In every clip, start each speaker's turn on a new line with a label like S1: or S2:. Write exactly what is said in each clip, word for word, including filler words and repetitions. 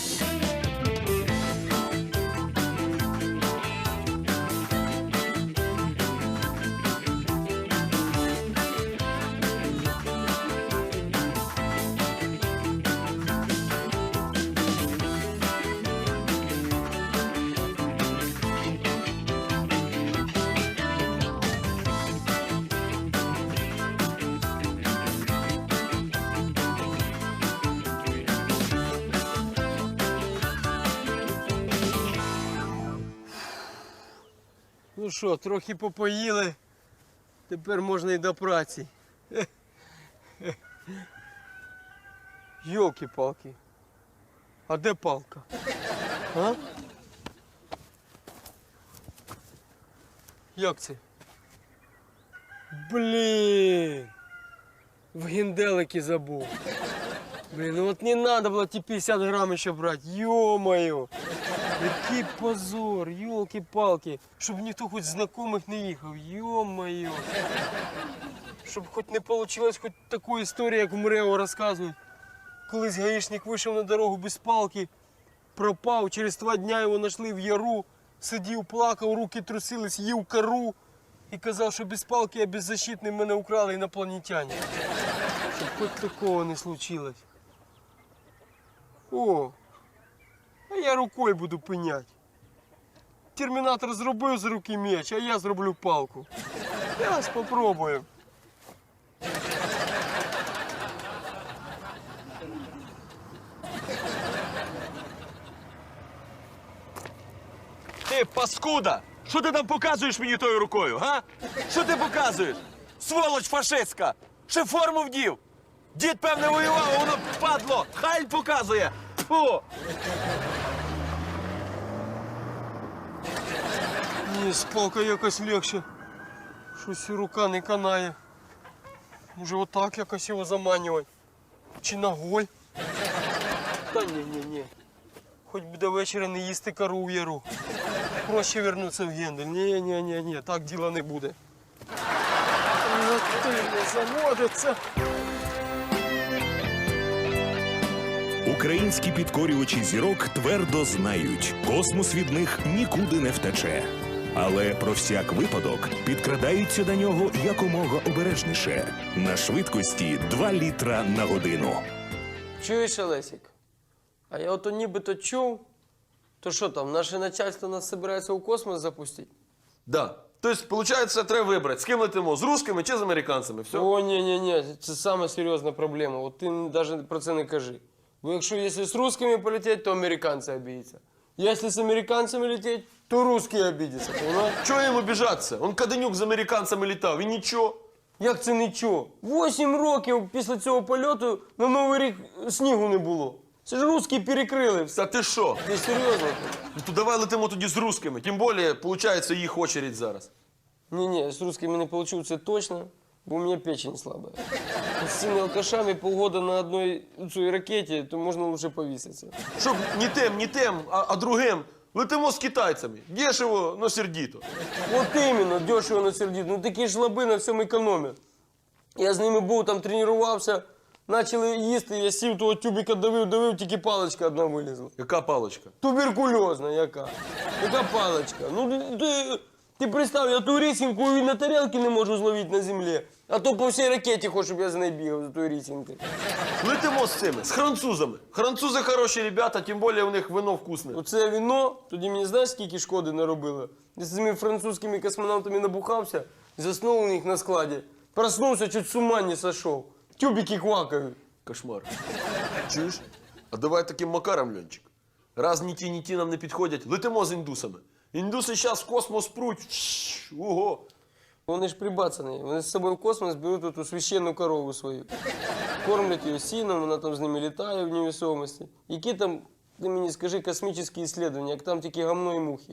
S1: Ну що, трохи попоїли, тепер можна і до праці. Йолки-палки. А де палка? А? Як це? Блін! В генделики забув. Блін, ну от не треба було ті п'ятдесят грамів ще брати. Йо-моє! Який позор, йолки-палки. Щоб ніхто хоч знайомих не їхав. Йо-моє! Щоб хоч не вийшло хоч таку історію, як в МРЕО розказують. Колись гаїшник вийшов на дорогу без палки, пропав, через два дня його знайшли в яру, сидів, плакав, руки трусились, їв кору і казав, що без палки я беззащитний, мене украли інопланетяни. Щоб хоч такого не случилось. О, а я рукою буду пиняти. Термінатор зробив з руки меч, а я зроблю палку. Зараз попробую.
S2: Ти, паскуда! Що ти там показуєш мені тою рукою, га? Що ти показуєш? Сволоч фашистська! Ще форму вдів! Дід, певне, воював, а воно падло! Хайль показує! Фу!
S1: Ні, з палкою якось легше. Щось і рука не канає. Може отак якось його заманювати? Чи ногой? Та ні-ні-ні. Хоч би до вечора не їсти кору в яру. Проще вернутися в Гендель. Ні-ні-ні, так діла не буде. Ну ти не заводиться.
S3: Українські підкорювачі зірок твердо знають, космос від них нікуди не втече. Але про всяк випадок підкрадаються до нього якомога обережніше. На швидкості два літра на годину.
S1: Чуєш, Олесик? А я ото нібито чув, то що там, наше начальство нас збирається у космос запустити?
S2: Да. Тобто, виходить, треба вибрати, з ким летимо, з русскими чи з американцями, все?
S1: О, ні-ні-ні, це саме серйозна проблема. От ти навіть про це не кажи. Бо якщо якщо з русскими полетіти, то американці обідяться. Якщо з американцями летіти, то русські обідяться, понимаєш?
S2: Чого їм обіжатися? Он Каденюк з американцями літав, і нічого.
S1: Як це нічого? Восім років після цього польоту на Новий рік снігу не було. Це ж русські перекрили все.
S2: Та ти що?
S1: Ти серйозно?
S2: Ну то давай летимо тоді з русскими. Тим більше, виходить, їх очередь зараз.
S1: Не-не, с русскими не получу, це точно, бо у меня печень слабая. С цими алкашами полгода на одной цій ракеті, то можна лучше повіситися.
S2: Щоб не тим, не тим, а, а другим. Летимо з китайцями. Дешево, но сердито.
S1: От іменно, дешево на сердито. Ну такі ж лаби на всьому економять. Я з ними був, там тренувався, почали їсти, я сів того тюбика давив, давив, тільки паличка одна вилізла.
S2: Яка паличка?
S1: Туберкульозна яка. Яка паличка? Ну ти, ти представ, я ту рісінку і на тарілки не можу зловити на землі. А то по всій ракеті хочу, щоб я за нею бігав, за тою рісінкою.
S2: Летимо з цими, з французами. Французи хороші ребята, тим більше у них вино вкусне.
S1: Оце віно, тоді мені знаєш, скільки шкоди наробило? Я з цими французькими космонавтами набухався, заснув у них на складі. Проснувся, чуть з ума не сошов. Тюбики квакають.
S2: Кошмар. Чуєш? А давай таким макаром, Льончик. Раз ні ті, ні ті нам не підходять, летимо з індусами. Індуси зараз в космос пруть. Ого!
S1: Вони ж прибацані. Вони з собою в космос беруть ту священну корову свою. Кормлять її сіном, вона там з ними літає в невесомості. Які там, ти мені скажи, космічні дослідження, як там тільки гамно і мухи.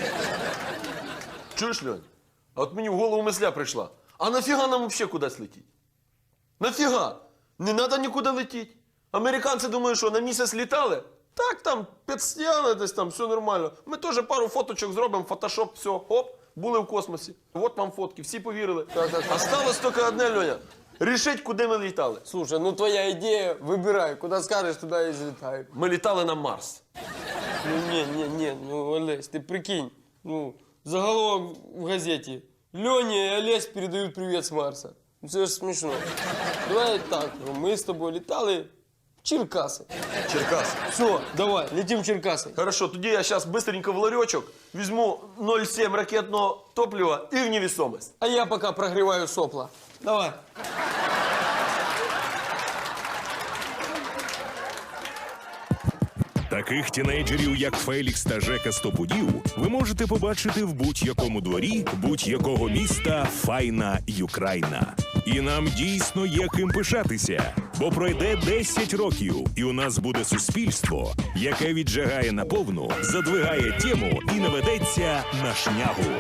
S2: Чуєш, Льонь? А от мені в голову мисля прийшла. А нафіга нам взагалі кудись летіть? Нафіга? Не треба нікуди летіти. Американці думають, що на місяць літали? Так, там, підстяли десь там, все нормально. Ми теж пару фоточок зробимо, фотошоп, все, оп, були в космосі. От вам фотки, всі повірили.
S1: Так, так, так.
S2: Осталось тільки одне, Льоня. Рішить, куди ми літали.
S1: Слушай, ну твоя идея, выбирай, куда скажешь, туда и взлетаю.
S2: Ми літали на Марс.
S1: Ну не, не, не, ну Олесь, ты прикинь, ну заголовок в газете. Леня и Олесь передают привет с Марса. Ну, це ж смешно. Давай так, ну, мы с тобой летали в Черкасы.
S2: Черкас.
S1: Все, давай, летим в Черкасы.
S2: Хорошо, тоді я зараз быстренько в ларьочок візьму ноль сім ракетного топлива і в невесомость.
S1: А я пока прогреваю сопла. Давай.
S3: Таких тінейджерів, як Фелікс та Жека Стопудів, ви можете побачити в будь-якому дворі будь-якого міста Файна Юкрайна. І нам дійсно є ким пишатися, бо пройде десять років, і у нас буде суспільство, яке віджигає наповну, задвигає тему і не ведеться на шнягу.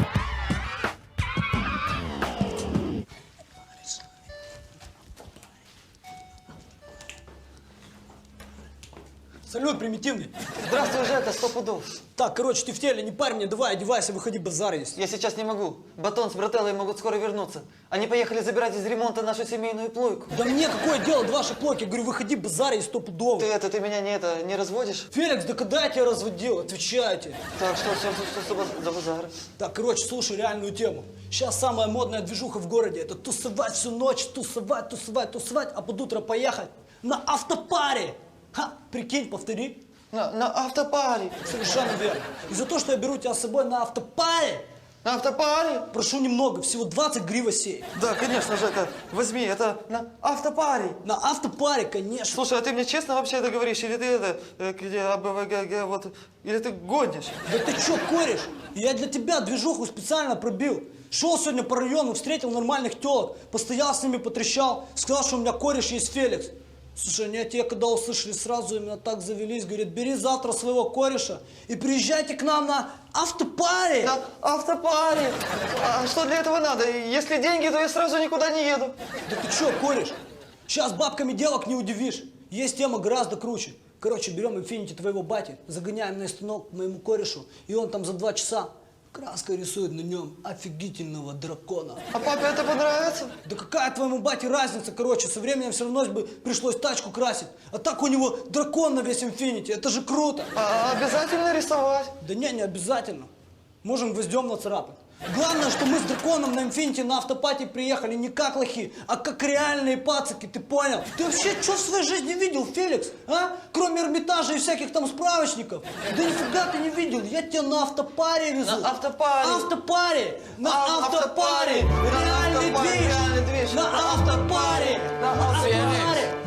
S4: Салют, примитивный.
S5: Здравствуй, Жека, сто пудов.
S4: Так, короче, ты в теле, не парь мне, давай, одевайся, выходи, базар есть.
S5: Я сейчас не могу. Батон с брателлой могут скоро вернуться. Они поехали забирать из ремонта нашу семейную плойку.
S4: Да мне какое дело до вашей плойки? Я говорю, выходи, базар есть сто пудов.
S5: Ты это, ты меня не это, не разводишь?
S4: Феликс, да когда я тебя разводил? Отвечайте.
S5: Так, что, что, что, что за- за базар?
S4: Так, короче, слушай реальную тему. Сейчас самая модная движуха в городе. Это тусовать всю ночь, тусовать, тусовать, тусовать, а под утро поехать на автопаре. Ха, прикинь, повтори.
S5: На, на автопаре.
S4: Совершенно верно. И за то, что я беру тебя с собой на автопаре,
S5: На автопаре?
S4: прошу немного, всего двадцать гривосей.
S5: Да, конечно, Жека, возьми, это на автопаре.
S4: На автопаре, конечно.
S5: Слушай, а ты мне честно вообще это говоришь? Или ты это, э, где, а, б, в, г, г, вот, или ты гонишь?
S4: Да ты чё, кореш? Я для тебя движуху специально пробил. Шел сегодня по району, встретил нормальных телок, постоял с ними, потрещал, сказал, что у меня кореш есть Феликс. Слушай, они те, когда услышали, сразу именно так завелись, говорят, бери завтра своего кореша и приезжайте к нам на автопаре.
S5: На автопаре. А что для этого надо? Если деньги, то я сразу никуда не еду.
S4: Да ты чё, кореш? Сейчас бабками девок не удивишь. Есть тема гораздо круче. Короче, берем инфинити твоего бати, загоняем на станок к моему корешу, и он там за два часа краской рисует на нем офигительного дракона.
S5: А папе это понравится?
S4: Да какая твоему бате разница, короче, со временем все равно бы пришлось тачку красить. А так у него дракон на весь инфинити, это же круто.
S5: А обязательно рисовать?
S4: Да не, не обязательно. Можем гвоздем нацарапать. Главное, что мы с драконом на инфинити на автопати приехали не как лохи, а как реальные пацаки, ты понял? Ты вообще что в своей жизни видел, Феликс? А? Кроме Эрмитажа и всяких там справочников. Да нифига ты не видел, я тебя на автопаре везу.
S5: На автопаре.
S4: Автопаре. На
S5: А,
S4: автопаре.
S5: автопаре. На
S4: Реальный
S5: автопаре,
S4: движ.
S5: реальный движ.
S4: На автопаре.
S5: На
S4: На
S5: автопаре.
S4: автопаре.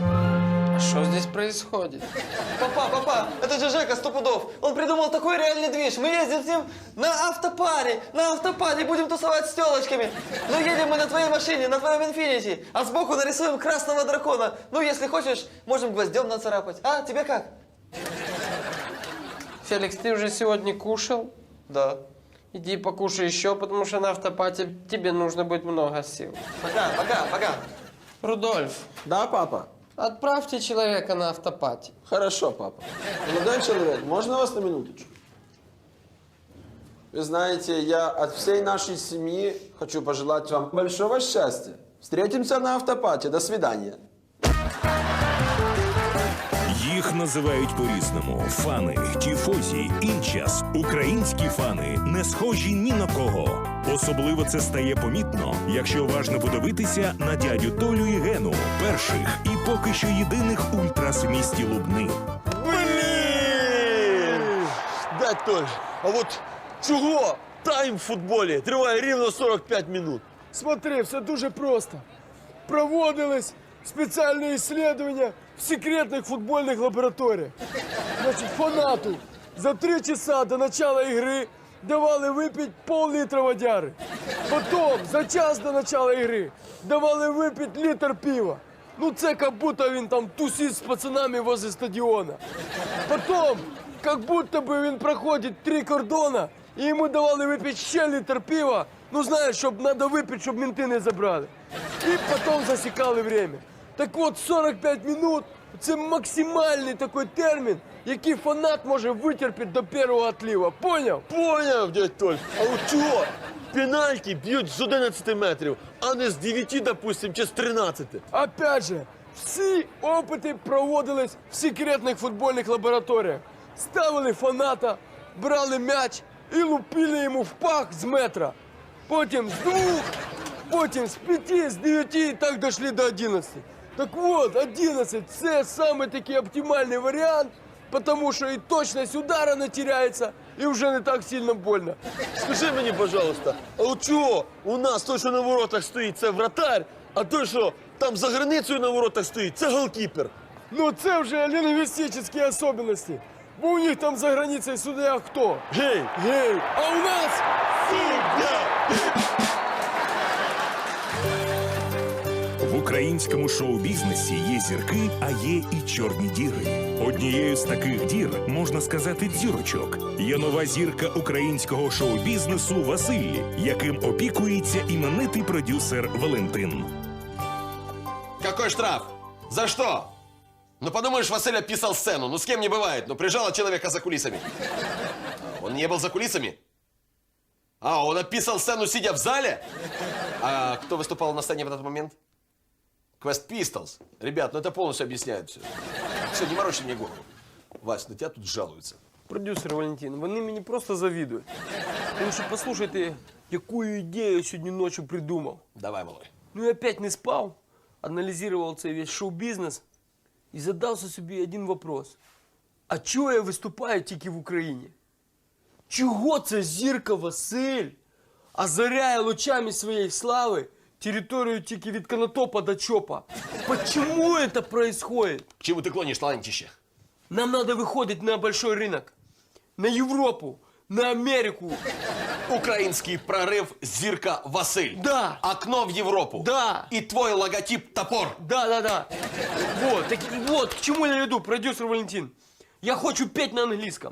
S1: А что здесь происходит?
S5: Папа, папа, это же Жека сто пудов. Он придумал такой реальный движ. Мы ездим с ним на автопаре. На автопаре будем тусовать с телочками. Ну, едем мы на твоей машине, на твоем инфинити. А сбоку нарисуем красного дракона. Ну, если хочешь, можем гвоздем нацарапать. А, тебе как?
S1: Феликс, ты уже сегодня кушал?
S5: Да.
S1: Иди покушай еще, потому что на автопате тебе нужно будет много сил.
S5: Пока, пока, пока.
S1: Рудольф,
S6: Да, папа?
S1: отправьте человека на автопате.
S6: Хорошо, папа. Молодой человек, можно вас на минуточку? Вы знаете, я от всей нашей семьи хочу пожелать вам большого счастья. Встретимся на автопате. До свидания.
S3: Їх називають по-різному: фани, тіфозі, інчас. Українські фани не схожі ні на кого. Особливо це стає помітно, якщо уважно подивитися на дядю Толю і Гену, перших і поки що єдиних ультрас в місті Лубни.
S2: Блін! Дядь Толь, а от чого тайм в футболі триває рівно сорок п'ять минут?
S1: Смотри, все дуже просто. Проводились спеціальні исследования в секретних футбольних лабораторіях. Значить, фанату за три часа до начала игры давали випити пол-літра водяри. Потім за час до начала игры давали випити літр пива. Ну це як будто він там тусить з пацанами возле стадіона. Потім, як будто би він проходить три кордона, і йому давали випити ще літр пива, ну знаєш, щоб треба випити, щоб менти не забрали. І потім засікали время. Так от сорок п'ять минут – це максимальний такий термін, який фанат може витерпіти до першого отлива. Поняв?
S2: Поняв, дядь Толь. А от чого пенальті б'ють з одинадцяти метрів, а не з дев'яти, допустим, чи з тринадцяти.
S1: Опять же, всі опити проводились в секретних футбольних лабораторіях. Ставили фаната, брали м'яч і лупили йому в пах з метра. Потім з двох, потім з п'яти, з дев'яти і так дійшли до одинадцяти. Так от, одинадцять – це саме такий оптимальний варіант, тому що і точність удара не теряється, і вже не так сильно больно.
S2: Скажи мені, пожалуйста, а от чого у нас той, що на воротах стоїть, це вратарь, а той, що там за границею на воротах стоїть, це голкіпер?
S1: Ну це вже лінгвістичні особливості. Бо у них там за границею суддя хто?
S2: Гей!
S1: Гей! А у нас
S3: В українському шоу-бізнесі є зірки, а є і чорні діри. Однією з таких дір, можна сказати, дзірочок, є нова зірка українського шоу-бізнесу Василь, яким опікується іменитий продюсер Валентин.
S2: Какой штраф? За что? Ну, подумаешь, Василь описал сцену. Ну, с кем не бывает. Ну, прижало человека за кулисами. Он не был за кулисами? А, он описал сцену, сидя в зале? А кто выступал на сцене в этот момент? Quest Pistols. Ребят, ну это полностью объясняет все. Все, не морочи мне голову. Вась, на тебя тут жалуются.
S1: продюсер Валентин, вони мені просто завідують. Тому що послухайте, яку ідею я сьогодні ночі придумав.
S2: Давай, малой.
S1: Ну я опять не спав, аналізував цей весь шоу-бізнес і задався собі один вопрос. А чого я виступаю тільки в Україні? Чого це зірка Василь озаряє лучами своєї слави територію тільки від Конотопа до Чопа? Почему это происходит?
S2: К чему ты клонишь, талантище?
S1: Нам надо выходить на большой рынок, на Европу, на Америку.
S2: Украинский прорыв Зирка Василь.
S1: Да.
S2: Окно в Европу.
S1: Да.
S2: И твой логотип топор.
S1: Да, да, да. Вот, так, вот, к чему я веду, продюсер Валентин. Я хочу петь на английском.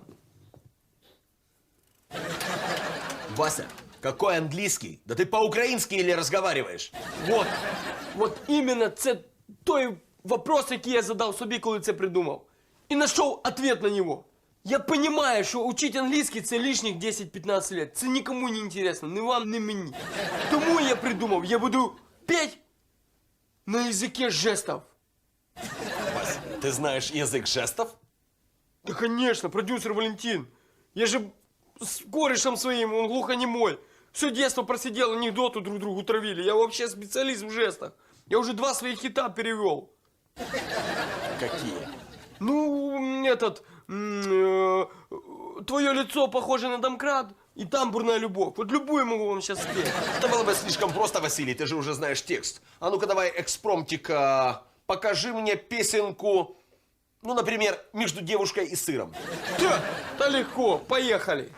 S2: Вася, какой английский? Да ты по-украински или разговариваешь?
S1: Вот, вот іменно це той вопрос, який я задав собі, коли це придумав. І знайшов ответ на нього. Я розумію, що учити англійський – це лишніх десять-пятнадцать лет. Це нікому не інтересно, ні вам, ні мені. Тому я придумав, я буду петь на язикі жестів.
S2: Вася, ты знаешь язык жестов?
S1: Да, конечно, продюсер Валентин. Я же с корешем своим, он глухонемой. Все детство просидел, анекдоты друг другу травили. Я вообще специалист в жестах. Я уже два своих хита перевел.
S2: Какие?
S1: Ну, этот... м, э, твое лицо похоже на домкрат, и тамбурная любовь. Вот любую могу вам сейчас спеть.
S2: Это было бы слишком просто, Василий, ты же уже знаешь текст. А ну-ка давай экспромтика, покажи мне песенку, ну, например, «Между девушкой и сыром».
S1: Да, да легко, поехали.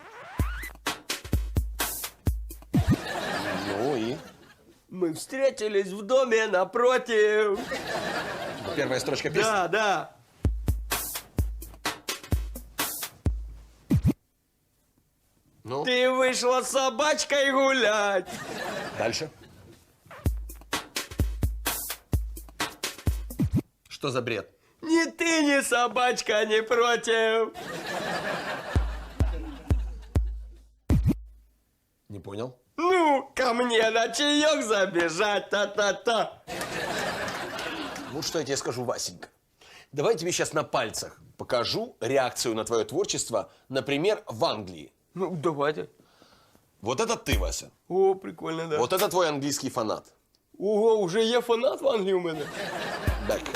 S2: Ну и?
S1: Мы встретились в доме напротив.
S2: Первая строчка песни.
S1: Да, да.
S2: Ну,
S1: Ты вышла с собачкой гулять.
S2: дальше. Что за бред?
S1: Ни ты, ни собачка не против.
S2: Не понял.
S1: Ну, ко мне на чаек забежать, та-та-та.
S2: Вот что я тебе скажу, Васенька. Давай я тебе сейчас на пальцах покажу реакцию на твое творчество, например, в Англии.
S1: Ну, давайте.
S2: Вот это ты, Вася.
S1: О, прикольно, да.
S2: Вот это твой английский фанат.
S1: Ого, уже є фанат в Англії у мене.
S2: Дай-ка.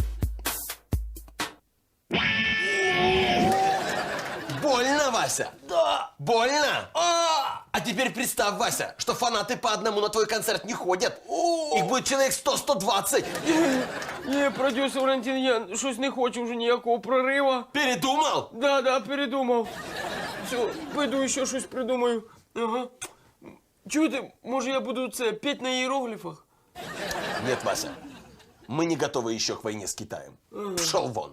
S2: Больно, Вася?
S1: Да.
S2: Больно? А, а теперь представь, Вася, что фанаты по одному на твой концерт не ходят. Их будет человек сто - сто двадцать.
S1: Ні, продюсер Валентин, я щось не хочу вже ніякого прориву.
S2: Передумал?
S1: Да, да, передумав. Все, пойду ще щось придумаю. Ага. Чуєте, може я буду це петь на іерогліфах?
S2: Нет, Вася. Мы не готовы еще к войне с Китаем. Пшел вон.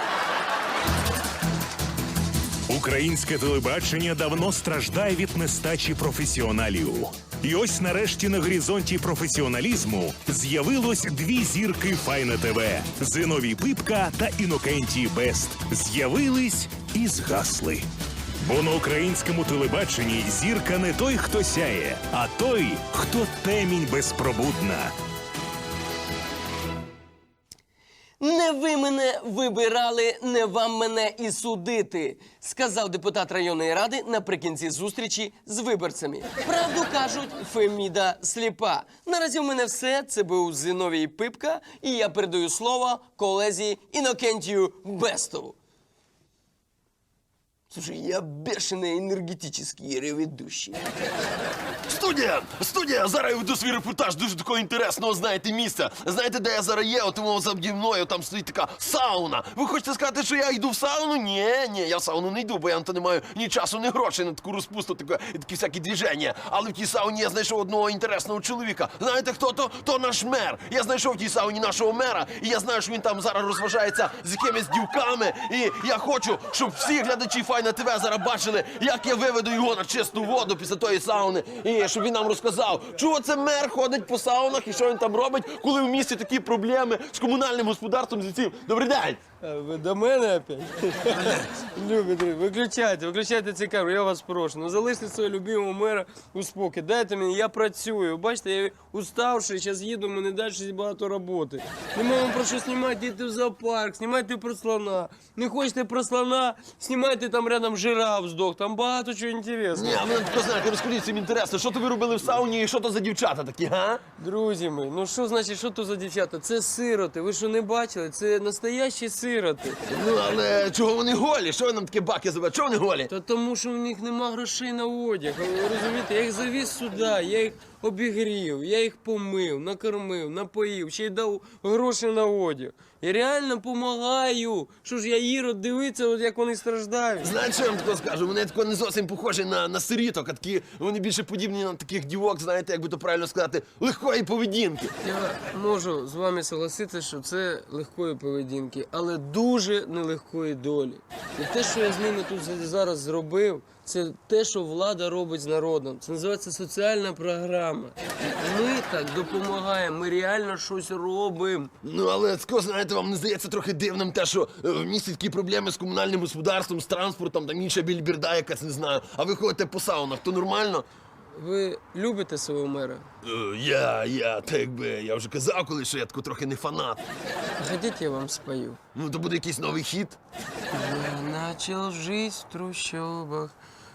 S3: Українське телебачення давно страждає від нестачі професіоналів. І ось нарешті на горизонті професіоналізму з'явилось дві зірки Файна ТВ – Зиновій Пипка та Інокентій Бест. З'явились і згасли. Бо на українському телебаченні зірка не той, хто сяє, а той, хто темінь безпробудна.
S7: Не ви мене вибирали, не вам мене і судити, сказав депутат районної ради наприкінці зустрічі з виборцями. Правду кажуть, Феміда сліпа. Наразі в мене все. Це був Зіновій Пипка, і я передаю слово колезі Інокентію Бестову. Слушай, я бешеный энергетический реведущий.
S2: Студія! Студія! Зараз я веду свій репортаж дуже такого інтересного, знаєте, місця. Знаєте, де я зараз є? От тому заді мною там стоїть така сауна. Ви хочете сказати, що я йду в сауну? Ні, ні, я в сауну не йду, бо я на то не маю ні часу, ні грошей на таку розпусту, таке, і такі всякі движення. Але в тій сауні я знайшов одного інтересного чоловіка. Знаєте, хто то? То наш мер. Я знайшов в тій сауні нашого мера, і я знаю, що він там зараз розважається з якимись дівками. І я хочу, щоб всі глядачі Файна ТВ зараз бачили, як я виведу його на чисту воду після тої сауни. І щоб він нам розказав, чого це мер ходить по саунах і що він там робить, коли в місті такі проблеми з комунальним господарством, з цим. Добрий день!
S1: А ви до мене опять? Любі друзі, виключайте, виключайте ці камери, я вас прошу. Ну залиште свого любимого мера у спокій. Дайте мені, я працюю. Бачите, я уставший, зараз їду, в мене далі багато роботи. Нема вам про що знімати, йдіть в зоопарк, знімайте про слона. Не хочете про слона, знімайте там рядом жираф здох, там багато чого інтересного.
S2: Ні, а мене тако, знаєте, розкажіть, всім інтересно, що то ви робили в сауні і що то за дівчата такі, га?
S1: Друзі мої, ну що значить, що то за дівчата? Це сироти, ви що не бачили? Це настоящі сироти.
S2: Ну, але чого вони голі? Що ви нам такі баки забили? Чого вони голі?
S1: Та тому, що в них нема грошей на одяг. Ви розумієте, я їх завіз сюди, я їх обігрів, я їх помив, накормив, напоїв, ще й дав гроші на одяг. Я реально допомагаю. Що ж я Ірод дивиться, от як вони страждають.
S2: Знаєте, що я вам тако скажу? Вони тако не зовсім похожі на, на сиріток, а такі, вони більше подібні на таких дівок, знаєте, як би то правильно сказати, легкої поведінки.
S1: Я можу з вами согласитися, що це легкої поведінки, але дуже нелегкої долі. І те, що я з ними тут зараз зробив, це те, що влада робить з народом. Це називається соціальна програма. І ми так допомагаємо, ми реально щось робимо.
S2: Ну, але тако, знаєте, вам не здається трохи дивним те, що е, в місті такі проблеми з комунальним господарством, з транспортом, там інша більбірда якась, не знаю. А ви ходите по саунах, то нормально?
S1: Ви любите свого мера?
S2: Е, я, я, так якби, я вже казав колись, що я тако трохи не фанат.
S1: Хотите, я вам спою?
S2: Ну, то буде якийсь новий хіт.
S1: Я начал жизнь в трущобах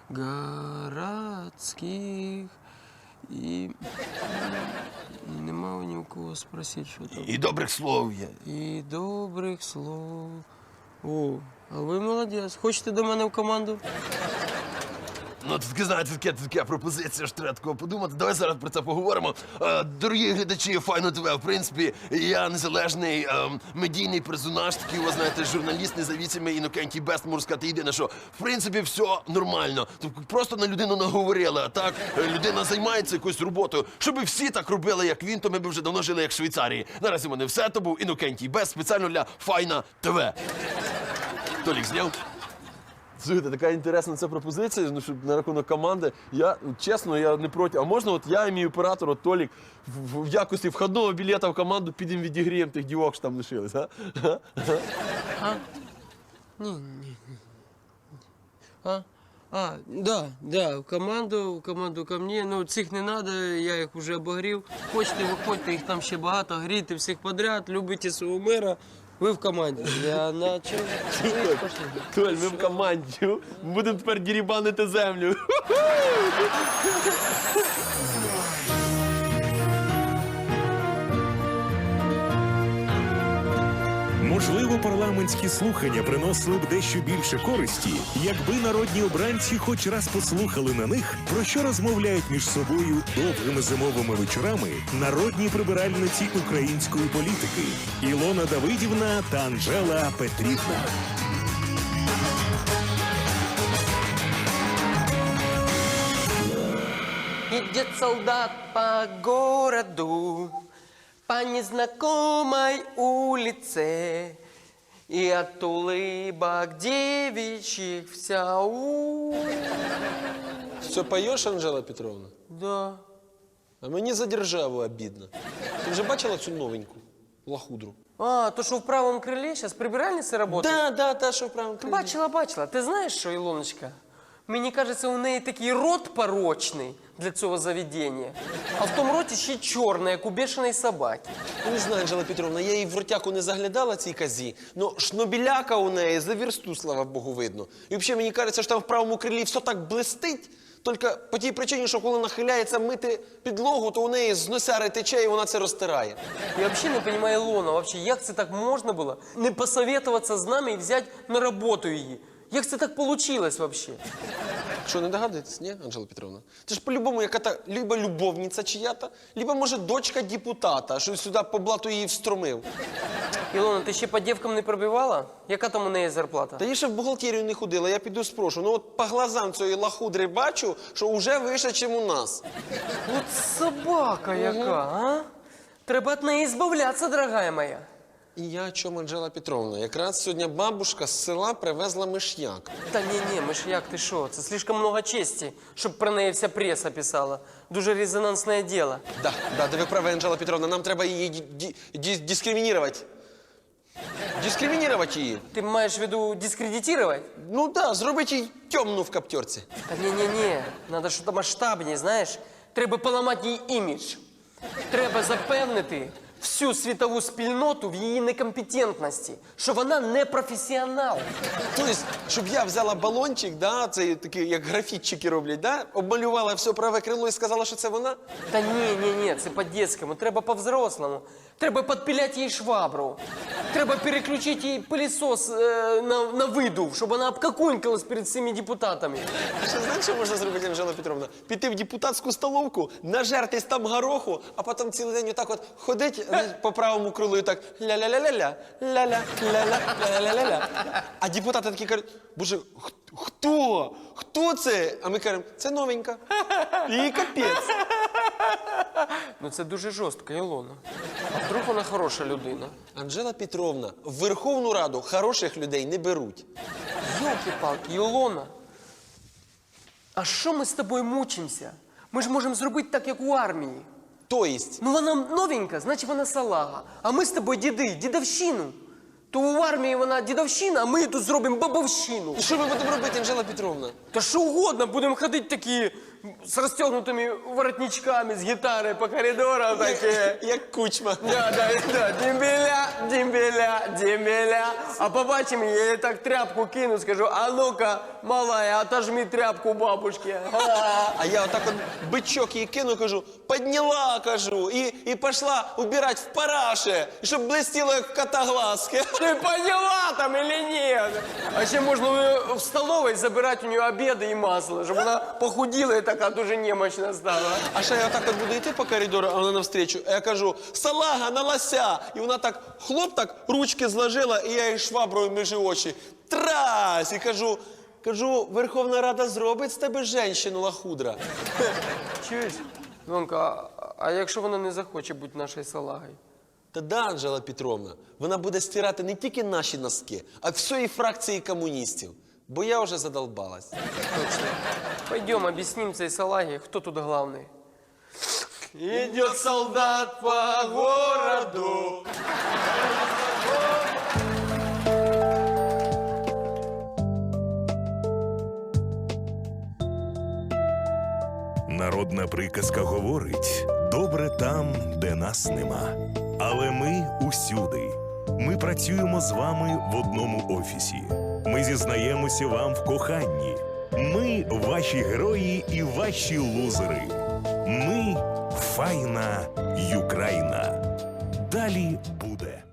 S1: городских. І, і нема ні у кого спросити, що там.
S2: І добрих слов є.
S1: І добрих слов. О, а ви молодець. Хочете до мене в команду?
S2: Ну, це таке, знаєте, таке, така пропозиція, що треба такого подумати. Давай зараз про це поговоримо. Е, дорогі глядачі Файно ТВ, в принципі, я незалежний е, медійний персонаж, такий, ви знаєте, журналіст независимий, Інокентій Бест, можу сказати, єдине, що, в принципі, все нормально. Тобто просто на людину наговорили, а так е, людина займається якоюсь роботою. Щоб всі так робили, як він, то ми б вже давно жили, як в Швейцарії. Наразі в мене все, то був Інокентій Бест, спеціально для Файна ТВ. Толік зняв? Слухайте, така інтересна ця пропозиція, ну, щоб на рахунок команди. Я, чесно, я не проти. А можна, от я і мій оператор, от Толік, в, в якості входного білета в команду підемо відігріємо тих дівок, що там лишились, а?
S1: А? Ні, ні, ні. А? А, да, да, в команду, в команду ко мне. Ну, цих не надо, я їх вже обогрів. Хочете, виходьте, їх там ще багато, грійте всіх подряд, любите свого мера. Ви в команді. Я начал.
S2: Толь, ми в команді. Будемо тепер дірібанити землю.
S3: Можливо, парламентські слухання приносили б дещо більше користі, якби народні обранці хоч раз послухали на них, про що розмовляють між собою довгими зимовими вечорами народні прибиральниці української політики Ілона Давидівна та Анжела Петрівна.
S7: Идет солдат по городу, по незнакомой улице, и от улыбок девичьих вся у...
S6: Все поешь, Анжела Петровна?
S1: Да.
S6: А мені за державу обідно. Ти вже бачила цю новеньку лахудру?
S7: А, то, що в правому крилі зараз прибиральниця працює?
S6: Да, да, та, що в правому крилі.
S7: Бачила, бачила. Ти знаєш що, Ілоночка? Мені кажеться, у неї такий рот порочний для цього заведення, а в тому роті ще чорний, як у бешеної собаки.
S6: Ну, не знаю, Анжела Петровна, я їй в ротяку не заглядала цій козі, но шнобіляка у неї за вірсту, слава Богу, видно. І взагалі мені кажеться, що там в правому крилі все так блистить, тільки по тій причині, що коли нахиляється мити підлогу, то у неї з носяри тече і вона це розтирає.
S7: Я взагалі не розумію Ілона, вообще, як це так можна було не посоветуватися з нами і взяти на роботу її? Як це так получилось вообще?
S6: Що, не догадуєтесь, ні, Анжела Петровна? Це ж по-любому яка-то либо любовниця чия-то, либо, може, дочка депутата, що сюди по блату її встромив.
S7: Ілона, ти ще по дівкам не пробивала? Яка там у неї зарплата?
S6: Та я ще в бухгалтерію не ходила, я піду спрошу. Ну от по глазам цієї лахудри бачу, що вже вище, ніж у нас.
S7: От собака яка, а? Треба від неї збавлятися, дорогая моя.
S6: І я о чому, Анжела Петровна? Якраз сьогодні бабушка з села привезла миш'як.
S7: Та ні-ні, миш'як, ти що? Це слишком много честі, щоб про неї вся преса писала. Дуже резонансне діло.
S6: Да, да, да ви праві, Анжела Петровна, нам треба її ді- ді- ді- дискримінувати. Дискримінувати її.
S7: Ти маєш в виду дискредитувати?
S6: Ну да, зробити їй темну в каптерці.
S7: Та ні-ні-ні, треба щось масштабніше, знаєш. Треба поламати їй імідж. Треба запевнити всю світову спільноту в її некомпетентності, що вона не професіонал.
S6: Тобто, щоб я взяла балончик, да, цей такий, як графітчики роблять, да, обмалювала все праве крило і сказала, що це вона?
S7: Та ні, ні, ні, це по-дєцькому, треба по-взрослому. Треба підпиляти їй швабру. Треба переключити їй пилісос е, на, на видув, щоб вона обкакунькалась перед всіми депутатами.
S6: А ще знаєш, що можна зробити, Анжела Петровна? Піти в депутатську столовку, нажертись там гороху, а потім цілий день отак от ходить знаєш, по правому крилу і так ля-ля-ля-ля-ля, ля-ля, ля-ля, ля-ля-ля-ля. А депутати такі кажуть, боже, х- хто? Хто це? А ми кажемо, це новенька. І капець.
S7: Ну це дуже жорстко, Ілона. А вдруг вона хороша людина?
S6: Анжела Петровна, в Верховну Раду хороших людей не беруть.
S7: Йолки-палки, Ілона. А що ми з тобою мучимося? Ми ж можемо зробити так, як у армії.
S6: То єсть,
S7: Ну вона новенька, значить вона салага. А ми з тобою діди, дідовщину. То у армії вона дідовщина, а ми тут зробимо бабовщину.
S6: і що ми будемо робити, Анжела Петровна?
S7: Та що угодно, будемо ходити такі з розтягнутими воротничками, з гітарою по коридорам такі.
S6: Як кучма.
S7: Да, да, да, дембеля, дембеля, дембеля. А побачимо, я їй так тряпку кину, скажу, а ну-ка, малая, отожми тряпку бабушки.
S6: А я отак от бичок їй кину, кажу, підняла, кажу, і, і пішла убирати в параше, і щоб блистіло, як в кота глазки.
S7: Ты поняла там или нет? А ще можна в столовой забирать у нее обеды и масло, чтобы она похудела и такая дуже немощна стала.
S6: А ще я отак от буду йти по коридору, а вона навстрічу, а я кажу, салага на лося. І вона так, хлоп, так, ручки зложила, і я їй шваброю між очі. Трась! І кажу, кажу, Верховна Рада зробить з тебе женщину, лахудра.
S7: Чуєш? Донка, а, а якщо вона не захоче бути нашою салагою?
S6: Та да, Анжела Петровна, вона буде стирати не тільки наші носки, а всієї фракції комуністів. Бо я вже задолбалась.
S7: Точно. Пойдем, объясним цей салаге, кто тут главный. Идет солдат по городу.
S3: Народна приказка говорить: добре там, де нас нема. Але ми усюди. Ми працюємо з вами в одному офісі. Ми зізнаємося вам в коханні. Ми ваші герої і ваші лузери. Ми файна Юкраїна. Далі буде.